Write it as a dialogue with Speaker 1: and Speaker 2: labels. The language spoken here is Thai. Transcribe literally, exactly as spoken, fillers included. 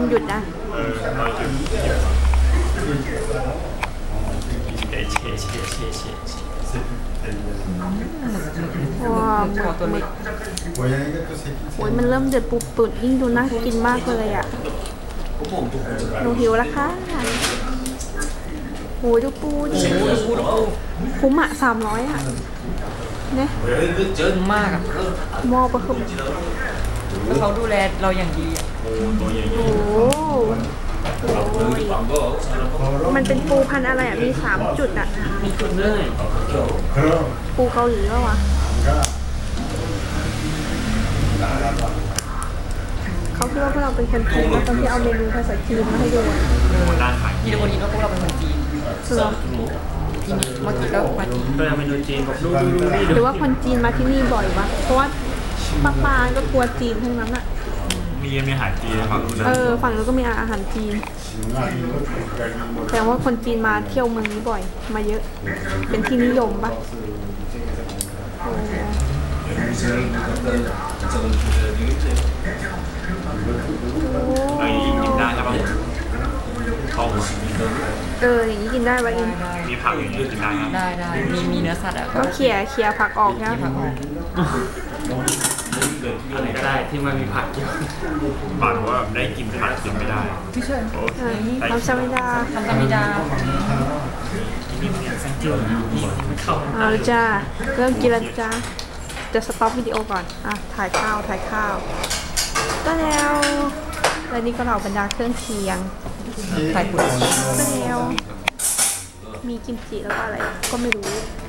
Speaker 1: หยุดนะ
Speaker 2: เออเราหยุดเชเชเชเชเช
Speaker 1: ว้าวหมึกหมึกโอ้ยมันเริ่มเดือดปุบปุดยิ่งดูน่ากินมากเลยอ่ะหนูหิวแล้วค่ะโอ้ยดูปูดิคุ้มอ่ะสามร้อยอ่ะเนี่ย
Speaker 3: เยอะมากอ่ะ
Speaker 1: หม้อปะคือ
Speaker 3: แล้วเขาดูแลเราอย่างดีอ่ะ
Speaker 2: โอ้ตัวใหญ่
Speaker 1: โอ้โหมันเป็นปูพันธุ์อะไรอ่ะมีสามจุดอ่ะ
Speaker 3: มีจุดเลย
Speaker 1: ปูเกาหลีป่ะวะเขาคิดว่าพวกเราเป็นคนจีนตอนที่เอาเมนูภาษาจีนมาให้ดูอ่ะ
Speaker 2: ด้านขาย
Speaker 3: ที่ทุกคนคิดว่าพวกเราเป็นคนจีน
Speaker 1: เหรอ
Speaker 3: ที่นี่เมื่อกี้ก็มาจีน
Speaker 2: ก็ยังเป็นคนจีนบอกดูดูดูนี่
Speaker 1: หรือว่าคนจีนมาที่นี่บ่อยวะเพราะว่าปากปานก็กลัวจีนทั้งนั้นอ่ะ
Speaker 2: มีมีอาหารจีนฝั่งนู้น
Speaker 1: เออฝั่งนู้นก็มีอาหารจีนแสดงว่าคนจีนมาเที่ยวเมืองนี้บ่อยมาเยอะเป็นที่นิยมปะ
Speaker 2: เออกินได้ใช่ปะท้อง
Speaker 1: เอออย่างนี้กินได้ปะอิน
Speaker 2: มีผักอย่างนี้กินได้ครับ
Speaker 3: ได้ได้มีมีเนื้อสัตว์อ่ะ
Speaker 1: ก็เขี่ยเขี่ยผักออกนะ
Speaker 3: ผักออก
Speaker 2: อะไรก็ได้ที่มันมีผักเยอะปากว่าได้กินผักกินไม่ได้
Speaker 3: ที่เชิญ
Speaker 2: โอ้
Speaker 1: เออทำซามิดา
Speaker 3: ทำตามิดา
Speaker 2: นี่มันยังแซงเจอร์นี่มันเข้า
Speaker 1: เอาละจ้าเริ่มกินแล้วจ้าจะสต็อปวิดีโอก่อนอ่ะถ่ายข้าวถ่ายข้าวก็แล้วแล้วนี่ก็เหล่าบรรดาเครื่องเคียง
Speaker 3: ไข่ปุ๋ย
Speaker 1: ก็แล้วมีกิมจิแล้วก็อะไรก็ไม่รู้